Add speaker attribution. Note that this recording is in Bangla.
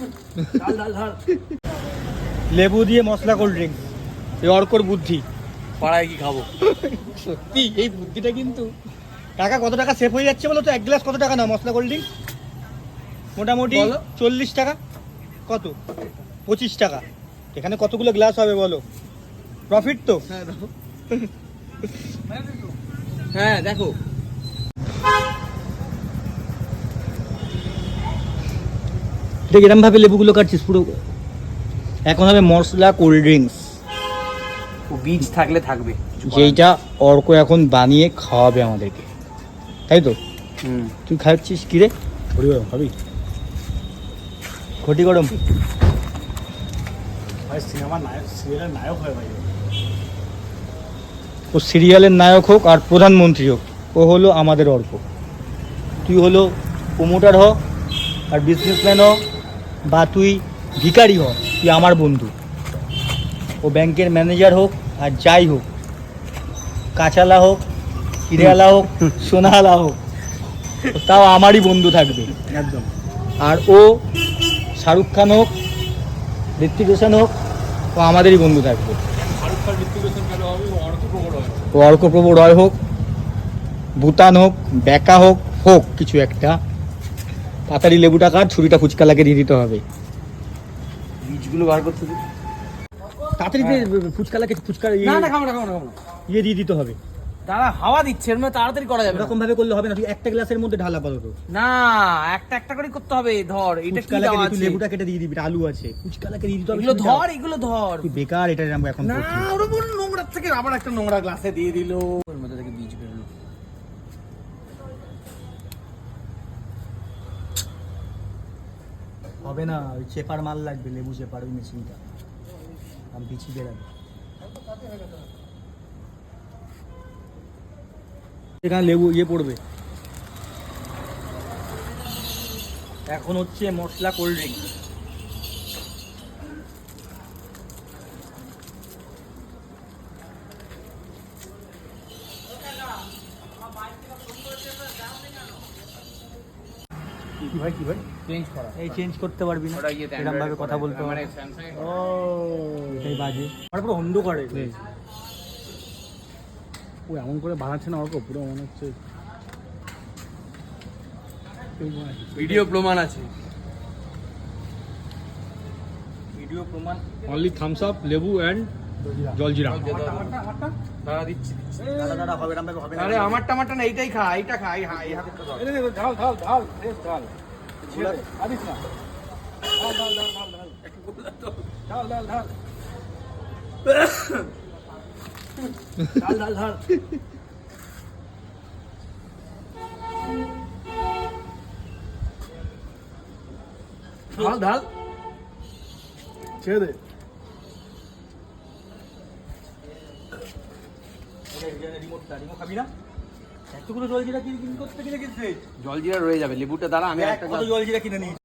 Speaker 1: লেবু দিয়ে মশলা কোল্ড ড্রিঙ্ক, এই অর্কর বুদ্ধি।
Speaker 2: পাড়ায় কি খাবো?
Speaker 1: সত্যি এই বুদ্ধিটা কিন্তু। টাকা কত টাকা সেভ হয়ে যাচ্ছে বলো তো? এক গ্লাস কত টাকা নাও মশলা কোল্ড ড্রিঙ্ক? মোটামুটি 40 টাকা। কত? 25 টাকা। এখানে কতগুলো গ্লাস হবে বলো? প্রফিট তো।
Speaker 2: হ্যাঁ দেখো,
Speaker 1: দেখ এরম ভাবে লেবুগুলো কাটছিস পুরো। এখন হবে মশলা কোল্ড ড্রিঙ্কস,
Speaker 2: বীজ থাকলে থাকবে,
Speaker 1: যেইটা অর্ক এখন বানিয়ে খাওয়াবে আমাদেরকে, তাই তো? তুই খাচ্ছিস কি রে? ঘটি গরম খাবি? ঘটি গরম সিনেমার নায়ক, সিরিয়ালের নায়ক হয় ভাই। ও সিরিয়ালের নায়ক হোক আর প্রধানমন্ত্রী হোক, ও হলো আমাদের অর্ক। তুই হলো প্রমোটার হ আর বিজনেসম্যান হ, বা তুই ভিখারি হ, তুই আমার বন্ধু। ও ব্যাংকের ম্যানেজার হোক আর যাই হোক, কাঁচালা হোক, হিরেওয়ালা হোক, সোনাওয়ালা হোক, তাও আমারই বন্ধু থাকবে একদম। আর ও শাহরুখ খান হোক, ঋত্বিক রোশন হোক, ও আমাদেরই বন্ধু থাকবে। ও অর্কপ্রভ রয় হোক, ভুটান হোক, ব্যাকা হোক, হোক কিছু একটা। তাড়াতাড়ি লেবুটা কাট, ছুরিটা ফুচকালাকে দিয়ে দিতে হবে।
Speaker 2: বীজগুলো বার করতে দিই
Speaker 1: তাড়াতাড়ি ফুচকালাকে, ফুচকা ইয়ে দিয়ে দিতে হবে।
Speaker 2: তারা হাওয়া দিচ্ছে, এর মধ্যে তাড়াতাড়ি করা যাবে।
Speaker 1: এরকম ভাবে করলে হবে না, তুই একটা গ্লাসের মধ্যে ঢালা পারো।
Speaker 2: না, একটা একটা করে করতে হবে। ধর এটা কি
Speaker 1: ফুচকালাকে
Speaker 2: দাও
Speaker 1: তুই
Speaker 2: আছে,
Speaker 1: লেবুটা কেটে দিয়ে দিবি, আলু আছে, ফুচকালাকে দিয়ে দিতে হবে।
Speaker 2: এগুলো ধর, এগুলো ধর।
Speaker 1: তুই বেকার এটা আমরা এখন
Speaker 2: না,
Speaker 1: করছি।
Speaker 2: ওর উপর নোংরা থেকে আবার একটা নোংরা গ্লাসে দিয়ে দিল, ওর মধ্যে থেকে বীজ বেরোলো।
Speaker 1: হবে না, ওই চেপার মাল লাগবে, লেবু চেপার ওই মেশিনটা, আমি পিছিয়ে বেরাবে। এখানে লেবু ইয়ে পড়বে। এখন হচ্ছে মশলা কোল্ড ড্রিঙ্ক। কি ভাই
Speaker 2: চেঞ্জ করা,
Speaker 1: এই চেঞ্জ করতে পারবি না, এরকম ভাবে কথা বলতে হবে।
Speaker 2: মানে স্যামসাং এর।
Speaker 1: ও এটাই বাজে, আর পুরো অন্ধ করে। ও এমন করে বানাচ্ছে না অর্ক, পুরো মনে হচ্ছে
Speaker 2: ভিডিও প্রমাণ আছে,
Speaker 1: ভিডিও প্রমাণ।
Speaker 3: অনলি থামস আপ, লেবু এন্ড জলজিরা।
Speaker 2: দাঁড়া দিচ্ছি।
Speaker 1: দাদা হবে এরকম ভাবে হবে না।
Speaker 2: আরে আমারটা না, এইটাই খা, এইটা খা, এই হাতে ধর।
Speaker 3: ঢাল ঢাল ঢাল ফ্রেশ ঢাল, আদিস না, ঢাল ঢাল ঢাল ঢাল ঢাল ঢাল ঢাল
Speaker 1: ঢাল ঢাল ঢাল।
Speaker 2: ঢাল ঢাল,
Speaker 3: ছেড়ে দে।
Speaker 1: রিমোটটা খাবি না? এতগুলো জলজিরা কিনে করতে গেলে কিন্তু
Speaker 2: জলজিরা রয়ে যাবে, লেবুটা দাঁড়া, আমি একটা
Speaker 1: কত জলজিরা কিনে নিই।